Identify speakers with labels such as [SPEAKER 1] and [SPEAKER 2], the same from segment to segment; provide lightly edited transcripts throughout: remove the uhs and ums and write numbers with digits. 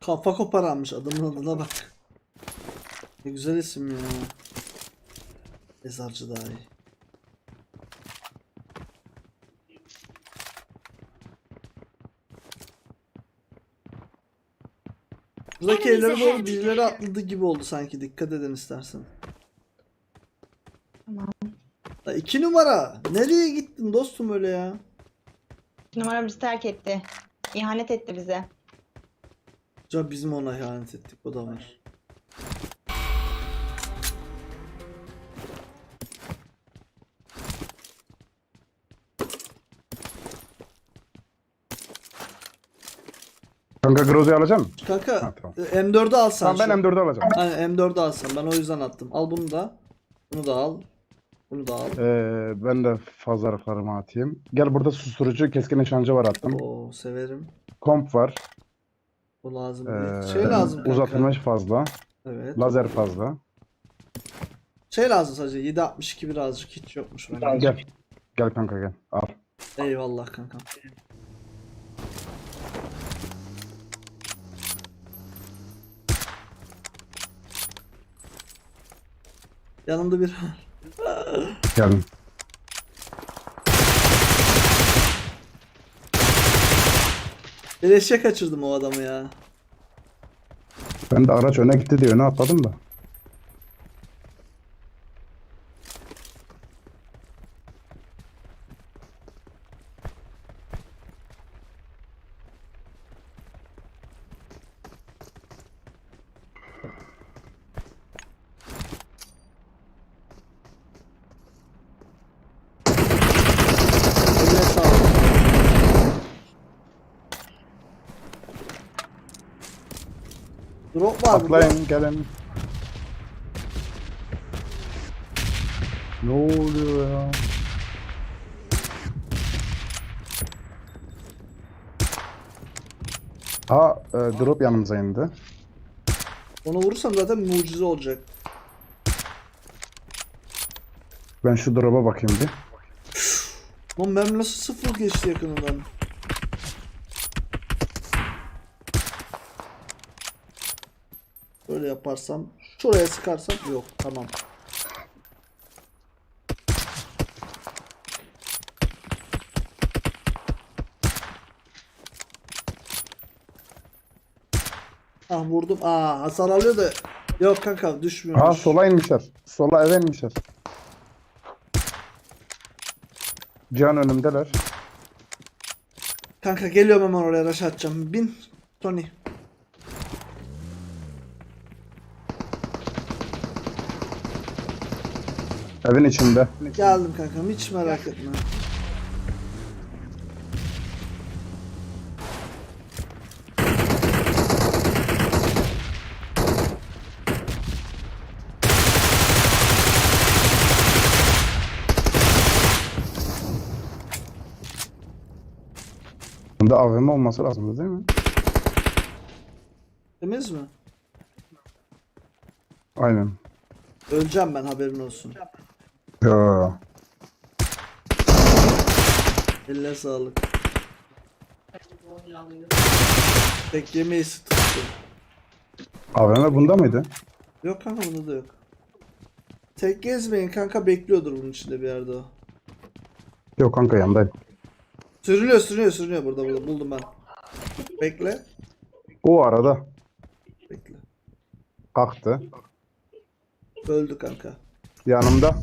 [SPEAKER 1] Kafa koparanmış adamın adına bak. Ne güzel isim ya. Mezarcı daha iyi. Buradaki evlere doğru birileri atladı gibi oldu sanki. Dikkat edin istersen.
[SPEAKER 2] Tamam.
[SPEAKER 1] La 2 numara. Nereye gittin dostum öyle ya?
[SPEAKER 2] Numara bizi terk etti. İhanet etti bize.
[SPEAKER 1] Ya bizim ona ihanet ettik. O da var.
[SPEAKER 3] Kanka Grozo'yu alacağım mı?
[SPEAKER 1] Kanka
[SPEAKER 3] Ha, tamam.
[SPEAKER 1] M4'ü alsan.
[SPEAKER 3] Tamam ben M4'ü alacağım.
[SPEAKER 1] Aynen M4'ü alsan. Ben o yüzden attım. Al bunu da. Bunu da al. Bunu da al.
[SPEAKER 3] Ben de fazlalıklarımı atayım. Gel burada susturucu, keskin nişancı var attım.
[SPEAKER 1] Oo severim.
[SPEAKER 3] Komp var.
[SPEAKER 1] Bu lazım değil. Şey lazım kanka.
[SPEAKER 3] Uzatılmış fazla.
[SPEAKER 1] Evet.
[SPEAKER 3] Lazer fazla.
[SPEAKER 1] Şey lazım sadece. 7.62 birazcık hiç yokmuş bende.
[SPEAKER 3] Gel. Gel kanka gel. Al.
[SPEAKER 1] Eyvallah kankam. Yanımda bir
[SPEAKER 3] Geldim.
[SPEAKER 1] Beleşe kaçırdım o adamı ya.
[SPEAKER 3] Ben de araç öne gitti diye öne atladım da.
[SPEAKER 1] Eline sağlık. Drop var burada.
[SPEAKER 3] Atlayın gelin. Ne oluyor ya? Drop yanımıza indi.
[SPEAKER 1] Onu vurursam zaten mucize olacak.
[SPEAKER 3] Ben şu drop'a bakayım bir.
[SPEAKER 1] Lan mermi nasıl sıfır geçti yakınından. Böyle yaparsam, şuraya sıkarsam yok tamam. Ah vurdum. Hasar alıyor da yok kanka düşmüyor.
[SPEAKER 3] Sola inmişler. Sola eve inmişler. Can önümdeler.
[SPEAKER 1] Kanka geliyorum hemen oraya rush atacağım. Bin Tony.
[SPEAKER 3] Evin içinde.
[SPEAKER 1] Geldim kankam hiç merak etme.
[SPEAKER 3] Bunda AVM olması lazım değil mi?
[SPEAKER 1] Temiz mi?
[SPEAKER 3] Aynen.
[SPEAKER 1] Öleceğim ben haberin olsun.
[SPEAKER 3] Ya.
[SPEAKER 1] Eline sağlık. Tek yemeği tuttu.
[SPEAKER 3] AVM bunda mıydı?
[SPEAKER 1] Yok kanka bunda da yok. Tek gezmeyin kanka bekliyordur bunun içinde bir yerde o.
[SPEAKER 3] Yok kanka yandayım.
[SPEAKER 1] Sürünüyor burada buldum ben. Bekle.
[SPEAKER 3] O arada
[SPEAKER 1] Bekle.
[SPEAKER 3] kalktı.
[SPEAKER 1] Öldü kanka.
[SPEAKER 3] Yanımda.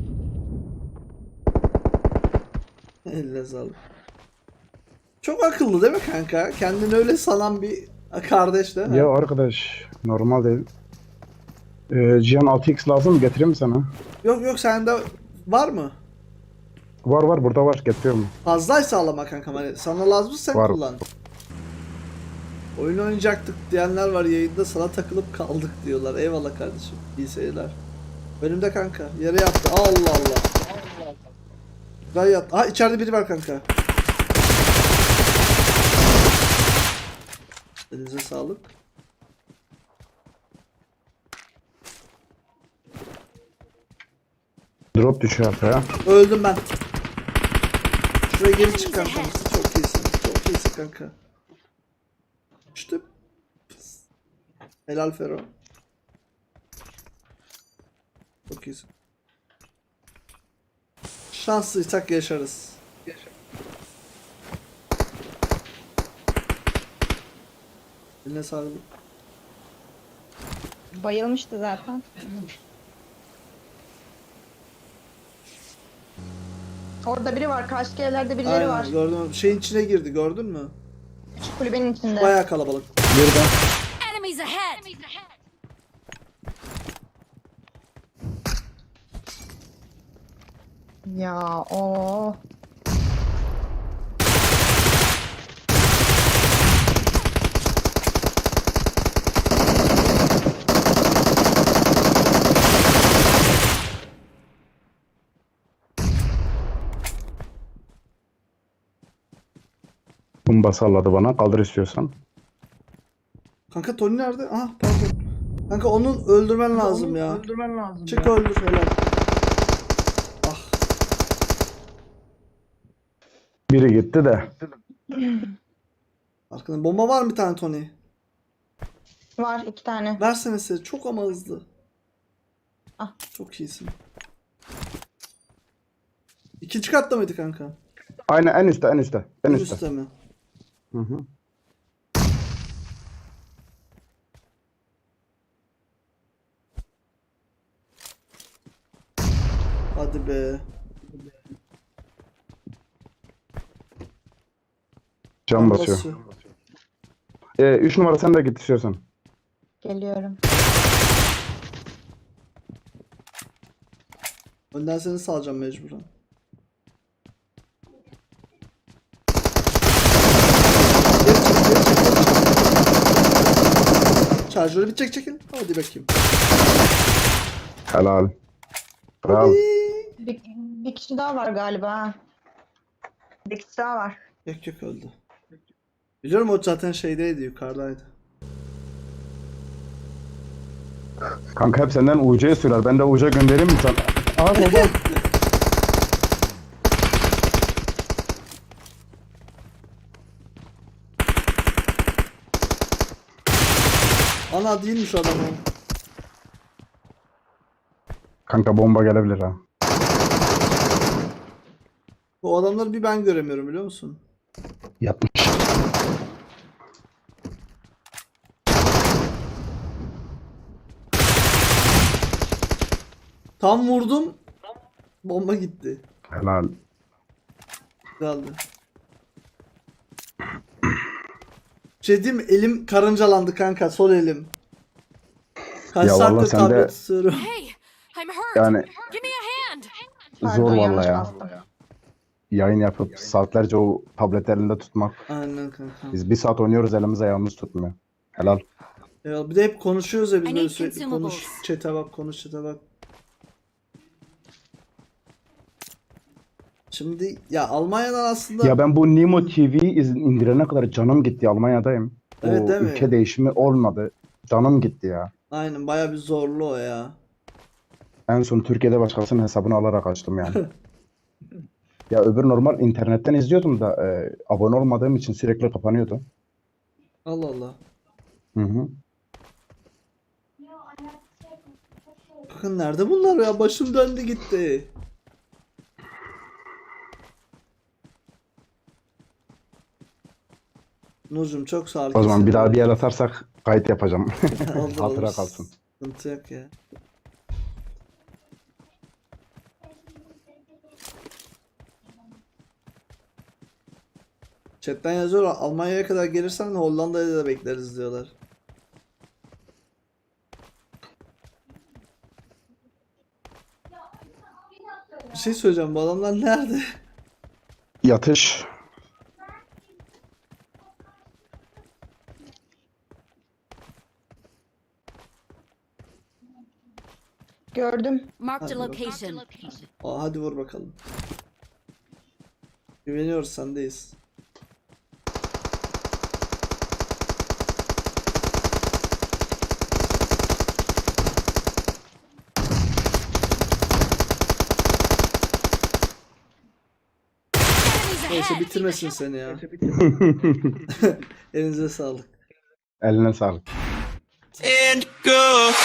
[SPEAKER 1] Eline sağlık. Çok akıllı değil mi kanka? Kendini öyle sanan bir kardeş değil mi?
[SPEAKER 3] Ya arkadaş normal değil. Cihan 6x lazım mı? Getireyim mi sana?
[SPEAKER 1] Yok sende var mı?
[SPEAKER 3] Var burada var getiriyorum.
[SPEAKER 1] Fazlaysa alama kankam hani sana lazımsa sen
[SPEAKER 3] Var.
[SPEAKER 1] kullan. Oyun oynayacaktık diyenler var yayında sana takılıp kaldık diyorlar. Eyvallah kardeşim. İyi seyirler. Önümde kanka. Yere yattı. Allah Allah. Güzel yattı. Ha içeride biri var kanka. Elinize sağlık.
[SPEAKER 3] Drop düşüyor arkaya.
[SPEAKER 1] Öldüm ben. Şuraya geri çık kanka. Çok iyisin. Çok iyisin kanka. İşte. Helal Fero. Çok iyisin. Şanslıysak yaşarız. Eline sağlık.
[SPEAKER 2] Bayılmıştı zaten. Orada biri var. Karşı evlerde birileri var.
[SPEAKER 1] Aynen gördüm. Şeyin içine girdi gördün mü?
[SPEAKER 2] Şu kulübenin içinde.
[SPEAKER 1] Bayağı kalabalık.
[SPEAKER 3] Birden.
[SPEAKER 4] Enemies ahead!
[SPEAKER 2] Ya o.
[SPEAKER 3] Bomba salladı bana. Kaldır istiyorsan.
[SPEAKER 1] Kanka Tony nerede? Ah pardon. Kanka onun öldürmen lazım ya. Çık öldür helal. Ah.
[SPEAKER 3] Biri gitti de.
[SPEAKER 1] Arkada bomba var mı bir tane Tony?
[SPEAKER 2] Var 2 tane.
[SPEAKER 1] Versene size. Çok ama hızlı.
[SPEAKER 2] Ah.
[SPEAKER 1] Çok iyisin. İkinci katta mıydı kanka?
[SPEAKER 3] Aynen en üstte en üstte. En üstte.
[SPEAKER 1] Üstte mi?
[SPEAKER 3] Hı hı.
[SPEAKER 1] Hadi be.
[SPEAKER 3] Can basıyor. 3 numara sen de git istiyorsan.
[SPEAKER 2] Geliyorum.
[SPEAKER 1] Önden seni salacağım mecburen. Geri çek, geri çek, geri çek. Şarjörü bir çek çekin. Hadi bakayım.
[SPEAKER 3] Helal. Bravo.
[SPEAKER 2] Bir kişi daha var galiba. Ha. Bir kişi daha var.
[SPEAKER 1] Yok yok öldü. Biliyorum o zaten şeydeydi yukarıdaydı.
[SPEAKER 3] Kanka hep senden UC'ye söyler. Ben de UC göndereyim mi sen? Aa baba.
[SPEAKER 1] Ana değilmiş o adam o.
[SPEAKER 3] Kanka bomba gelebilir ha.
[SPEAKER 1] O adamları bir ben göremiyorum biliyor musun?
[SPEAKER 3] Yapmış.
[SPEAKER 1] Tam vurdum. Bomba gitti.
[SPEAKER 3] Helal.
[SPEAKER 1] Güzeldi. Şey diyeyim mi? Elim karıncalandı kanka. Sol elim. Kaç
[SPEAKER 3] Ya vallahi
[SPEAKER 1] saattir
[SPEAKER 3] sen de-
[SPEAKER 1] tablet tutuyorum.
[SPEAKER 4] Hey, I'm hurt!
[SPEAKER 3] Yani
[SPEAKER 4] Give me a hand!
[SPEAKER 3] zor
[SPEAKER 2] Pardon,
[SPEAKER 3] vallahi
[SPEAKER 2] yanlış
[SPEAKER 3] ya.
[SPEAKER 2] bastım.
[SPEAKER 3] Yayın yapıp saatlerce o tablet elinde tutmak.
[SPEAKER 1] Aynen kanka.
[SPEAKER 3] Biz bir saat oynuyoruz elimiz ayağımız tutmuyor. Helal.
[SPEAKER 1] Ya bir de hep konuşuyoruz ya biz
[SPEAKER 4] I
[SPEAKER 1] böyle
[SPEAKER 4] need
[SPEAKER 1] sürekli
[SPEAKER 4] consumables.
[SPEAKER 1] konuş. Chat'e bak konuş chat'e bak. Şimdi ya Almanya'dan aslında
[SPEAKER 3] Ya ben bu Nimo TV'yi indirene kadar canım gitti. Almanya'dayım.
[SPEAKER 1] Evet,
[SPEAKER 3] O
[SPEAKER 1] değil mi?
[SPEAKER 3] ülke değişimi olmadı. Canım gitti ya.
[SPEAKER 1] aynen baya bir zorlu o ya.
[SPEAKER 3] En son Türkiye'de başkasının hesabını alarak açtım yani. Ya öbür normal internetten izliyordum da abone olmadığım için sürekli kapanıyordu.
[SPEAKER 1] Allah Allah.
[SPEAKER 3] Hı hı.
[SPEAKER 1] Bakın nerede bunlar ya? Başım döndü gitti. Nurcum çok sağ ol.
[SPEAKER 3] O zaman bir daha bir el atarsak kayıt yapacağım.
[SPEAKER 1] Olur,
[SPEAKER 3] Hatıra
[SPEAKER 1] olur.
[SPEAKER 3] kalsın.
[SPEAKER 1] Sıkıntı yok ya. Chatten yazıyorlar. Almanya'ya kadar gelirsen Hollanda'ya da bekleriz diyorlar. Bir şey söyleyeceğim. Bu adamlar nerede?
[SPEAKER 3] Yatış.
[SPEAKER 4] Gördüm.
[SPEAKER 2] Marked a
[SPEAKER 1] Hadi
[SPEAKER 2] location.
[SPEAKER 1] Aa, hadi vur bakalım. Güveniyoruz sendeyiz.
[SPEAKER 4] Enemies
[SPEAKER 1] Neyse
[SPEAKER 4] ahead!
[SPEAKER 1] bitirmesin seni ya. Elinize sağlık.
[SPEAKER 3] Eline sağlık.
[SPEAKER 5] go.